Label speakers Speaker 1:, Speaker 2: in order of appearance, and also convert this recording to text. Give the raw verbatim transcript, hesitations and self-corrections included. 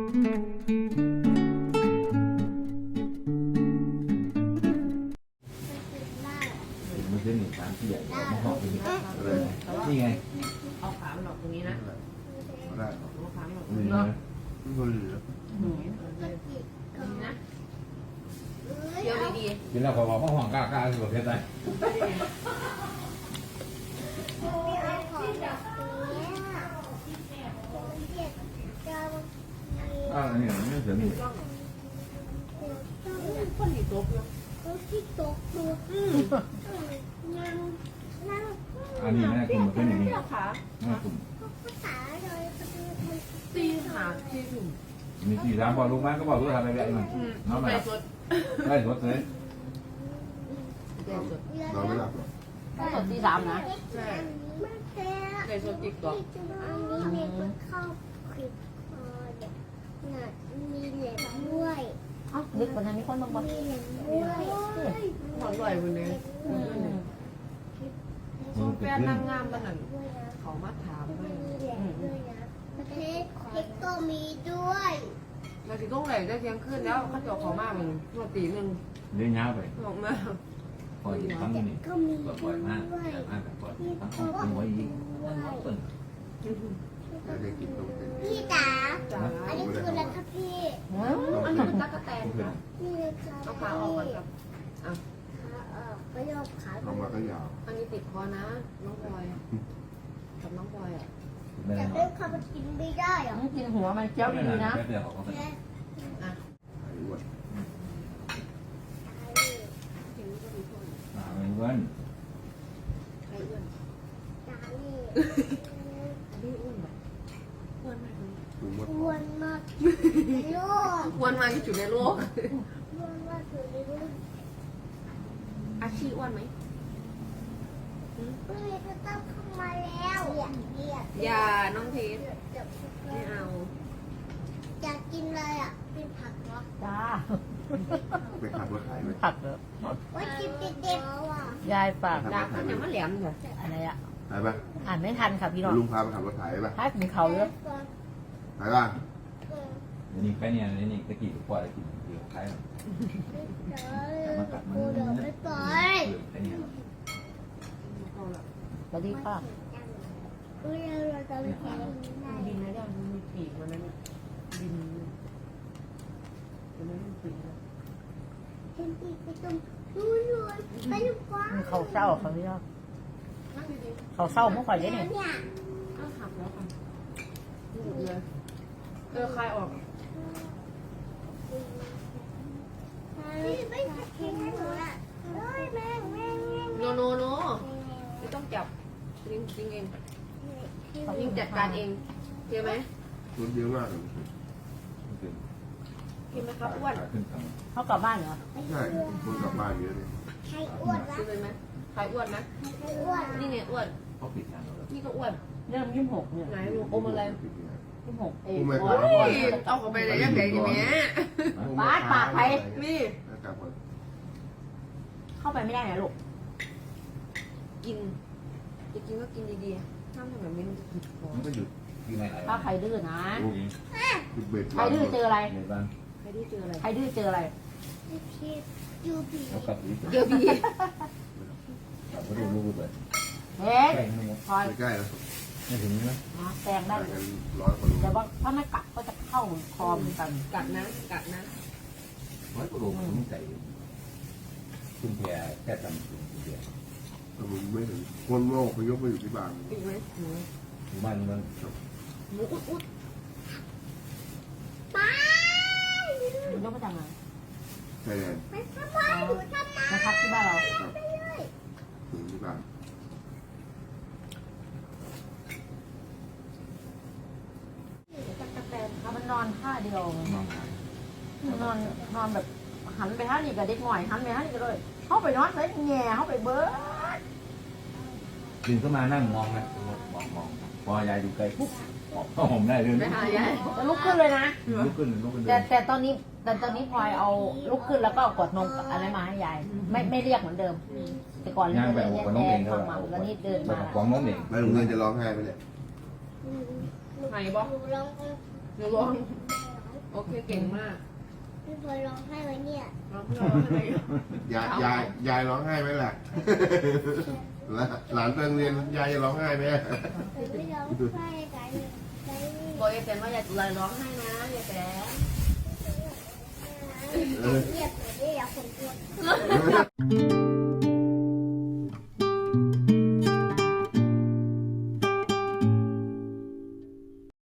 Speaker 1: มันจะหนึ่งสามที่ใหญ่กว่าหอมนี่นี่ไง
Speaker 2: เอาขามันออกตรงนี้นะ
Speaker 3: ได้
Speaker 2: เอาขามันออกตรง
Speaker 1: นี่
Speaker 2: นี้
Speaker 1: นะ
Speaker 3: ไม่เคยเหลือ
Speaker 2: นะเดี๋ยวดี
Speaker 1: กินแล้วก็บอกว่าห่วงกล้ากล้าสุดเพชรได้อ่านี่นี่เสือนี่
Speaker 2: ๆคนที่ตกอยู่
Speaker 4: ที่ตกดูนั่งนั่ง
Speaker 1: อันนี้แม่คุณมันเป็นอย่างนี้
Speaker 2: เจ้าขา
Speaker 1: แม่คุณ
Speaker 4: ภาษาเลยมัน
Speaker 2: ตีขาตีถุง
Speaker 1: มีสี่สามบอกลูกแม่ก็บอกลูกทำอะไรแบบนี้น้องแม่
Speaker 2: ไปสด
Speaker 1: ได้สดเลย
Speaker 2: ไปสด
Speaker 3: นอนไม่หลับหรอก
Speaker 2: ถ้าสดตีสามนะ
Speaker 4: ใช่ไม่แพ้
Speaker 2: ไปสดติ๊กต็อก
Speaker 4: อันนี้เด็กมันเข้าคลิปคอเด็กน่ะมีเหล็กด้วย
Speaker 5: เอ้าดึกกว่านั้นมีคนบางคน
Speaker 4: มีเหล็กด้วย
Speaker 2: หอมอร่อยคนนี้แฟนนางงามมันนั่นเขามาถามเลย
Speaker 4: มีเหล็กด้วยนะประเทศเอ็กก็มีด้วย
Speaker 2: เราถึงต้องไหนได้เที่ยงคืนแล้วเขาจะเขามากมันนวดตีหนึ่ง
Speaker 1: เลี้ยงยาวไป
Speaker 2: บอกมา
Speaker 1: ปล่อยครั้งนี้
Speaker 4: ก็มี
Speaker 1: ปล่อยมากแต่มากแต่ปล่อยทั้งของไว้อีกทั้งหมดต้น
Speaker 3: แล้วได้กินต้องเป็น
Speaker 4: พี่จ๋า
Speaker 2: จ้า
Speaker 4: อันนี้คืออะไรครับพี่
Speaker 2: อันนี้เป็นตั๊กแตนค่ะ
Speaker 4: นี่เลยค่ะ
Speaker 2: เอาขาออกก่อนครับ
Speaker 4: ขาออกไปยกขา
Speaker 3: ลงมาก็ยาว
Speaker 2: อันนี้ติดคอนะ น้องพลอยกับน้องพลอยอ่ะ
Speaker 1: แม่
Speaker 4: แต่
Speaker 1: เนาะ
Speaker 4: เรื่องความกินไม่ได้เหรอ
Speaker 5: ต้องกินหัวมันเจียวดีๆนะ
Speaker 1: แม่เดี๋ยวเขาไป
Speaker 4: แค่
Speaker 2: อ่ะ
Speaker 3: ไอ้อ้วน
Speaker 1: อ่าเพื่อน
Speaker 2: ใครอ้วน
Speaker 4: ตานี่
Speaker 2: อันนี้อ้วนแบบอ้วนมากเลย
Speaker 3: ดูมด
Speaker 4: อ้วนมากในโลก
Speaker 2: อ้วนมากที่สุดในโลก
Speaker 4: อ้วนมากสุดในโลก
Speaker 2: อาชีอ้วนไหม
Speaker 4: เฮ้ยจะต้องเข้ามาแล้วอยากเกียด
Speaker 2: อย่าน้องเพชร
Speaker 4: เดี๋ยว
Speaker 2: ไม่เอา
Speaker 4: อยากกินเลยอ่ะเป็นผักเหรอ
Speaker 5: จ้า
Speaker 3: ไปขับรถขายไหม
Speaker 5: ผักเหรอ
Speaker 4: ว่ากินเด็กๆอ่ะ
Speaker 5: ยายฝาก
Speaker 2: ดาบมันยังไม่แหลมเลย
Speaker 5: อะไรอ่ะ
Speaker 3: ขายปะ
Speaker 5: อ่านไม่ทันค่ะพี่น้อง
Speaker 3: ลุงพาไปขับรถขายปะ
Speaker 5: ถ้ากินเขาเยอะ
Speaker 3: ขายป่ะ
Speaker 1: เดี๋ยวนี้แค่เนี่ยนี่นี่ตะกี้ปล่อยตะกี้เดี๋ยวใครมากัดมัน
Speaker 4: เดี๋ยวไม่ปล่อย
Speaker 1: แค่เนี่ย
Speaker 2: เอาละ
Speaker 5: สวัสดีค่ะ
Speaker 4: เฮ้ยเราจะไปแข่งได้
Speaker 2: บินแล้วมันมีปีกมันนั่นบินมันไม่มีปีกนะ
Speaker 4: ฉันตีไปตรงนู้นเลยไปลูกกว้าง
Speaker 5: เขาเศร้าเขาพี่น้อง
Speaker 2: นั่งดี
Speaker 5: เขาเศร้าเมื่อก่อนเนี่ย
Speaker 4: เนี่ย
Speaker 2: ๆเอาหักแล้วค่ะหยุดเลยเออคลายออก
Speaker 4: พี่ไม่แข่งให้หนูอ่ะเฮ้ยแม่งแม่งแม่ง
Speaker 2: โนโนโนไม่ต้องจับลิงลิงเองลิงจัดการเองเห็นไหม
Speaker 3: รถเยอะมากเลย
Speaker 2: เห็นไหมครับอ้วน
Speaker 1: ขึ้นทาง
Speaker 5: เขากลับบ้านเหรอ
Speaker 3: ใช่คนกลับบ้านเยอะเลย
Speaker 4: ใครอ้วนวะ
Speaker 2: ซื้อเลยไหมใครอ้วนไหม
Speaker 4: ใครอ้วน
Speaker 2: นี่ไงอ้วน
Speaker 1: เขาปิดงานเราแล้ว
Speaker 2: นี่ก็อ้วน
Speaker 5: เริ่มยี่สิบหกเนี่ย
Speaker 2: ไหนลูกอมอะไร
Speaker 5: ยี่สิบหกเอ
Speaker 3: กู
Speaker 5: ง
Speaker 3: ไม่
Speaker 5: โอ้
Speaker 3: ขาย
Speaker 5: ย
Speaker 2: เอาเข้าไปเลยยังไงอย่างเงี้ย
Speaker 5: ปาดปากไป
Speaker 2: นี่
Speaker 3: กลับก่อน
Speaker 5: เข้าไปไม่ได้นะลูก
Speaker 2: กินจะกินก็กินดีๆห้ามทำแบบนี้มันจะผิดคอ
Speaker 1: มันก็หยุดที่ไหนไหน
Speaker 5: ถ้าใครดื้อนะ
Speaker 3: คือเบ็ด
Speaker 5: ใครดื้อเจออะไร
Speaker 1: ในบ้าน
Speaker 2: ใครที่เจออะไร
Speaker 5: ใครดื้อเจออะไร
Speaker 4: พี่ยูบี
Speaker 1: แล้วกลับอีก
Speaker 2: เจอบี
Speaker 1: กลับมาดูลูกไป
Speaker 5: เฮ้ย
Speaker 1: แข่งทั้งหมด
Speaker 5: คอย
Speaker 3: ใกล้ๆแล้ว
Speaker 1: ไม่ถึงนะ
Speaker 5: แซงได้
Speaker 3: กันร้อยกว่าโล
Speaker 5: แต่ว่าถ้าไม่กัดก็จะเข้าคอมอนกัน
Speaker 2: กัดนะกัดนะ
Speaker 1: ร้อยกว่าโลมันใจขึ้นแพร่แค่จำถึงเดียว
Speaker 3: แต่มึงไม่ถึงคนโลกไปยกมาอยู่ที่บ้าน
Speaker 2: อีกไหมหนู
Speaker 1: อยู่บ้านมัน
Speaker 2: หนูอุดอุด
Speaker 4: ไป
Speaker 5: ยกมาจากไหน
Speaker 3: ชายแดน
Speaker 4: ไปทำไมหนูทำไม
Speaker 5: มาพักที่บ้านเรา
Speaker 3: ครับ
Speaker 4: ไปเลย
Speaker 3: ถึงที่บ้าน
Speaker 2: ตั๊กแตน
Speaker 5: มันนอนท่าเดียว
Speaker 1: มองหา
Speaker 5: มันนอนนอนแบบหันไปท่านี่กับเด็กหน่อยหันไปท่านี่ก็เลยเข้าไปนอนเลยแง่เข้าไปเบิร์ด
Speaker 1: ดึงเข้ามานั่งมองนะมองมองพอยายอยู่ไกลปุ๊บเข้าผมได้เลย
Speaker 2: ไม่หายาย
Speaker 5: จะลุกขึ้นเลยนะ
Speaker 1: ลุกขึ้นลุกขึ้นเดิ
Speaker 5: แต่
Speaker 1: น
Speaker 5: แต่ตอนนี้แต่ตอนนี้พลอยเอาลุกขึ้นแล้วก็กดนมอะไรมาให้ยายไม่ไม่เรียกเหมือนเดิม แต่ก่อนเรียกแย่แย่ฟังมาแล้วนี่เดิน
Speaker 1: ไป
Speaker 5: มา
Speaker 1: ฟ้องน้องเด็ก
Speaker 3: ไปโรงเรียนจะร้องไห้ไหมเนี่ย
Speaker 2: ไหนบอก
Speaker 4: หนูลอง
Speaker 2: หนูลอง
Speaker 4: ห
Speaker 2: โอเคเก่งมาก
Speaker 4: พี่พลอยร้องไห้ไว้เนี่ย
Speaker 2: ร้องร้องอะไร
Speaker 3: ยายยายยายร้องไห้ไหมล่ะ หลานไปโรงเรียนยายจะร้องไห้ไหม
Speaker 4: แต่ไม่ร้องไห้กันใจ
Speaker 2: บอกยายแตนว่าอย่าเลยร้องไห้นะยายแตน
Speaker 4: เงียบหน่อยดิอยากคนกลัว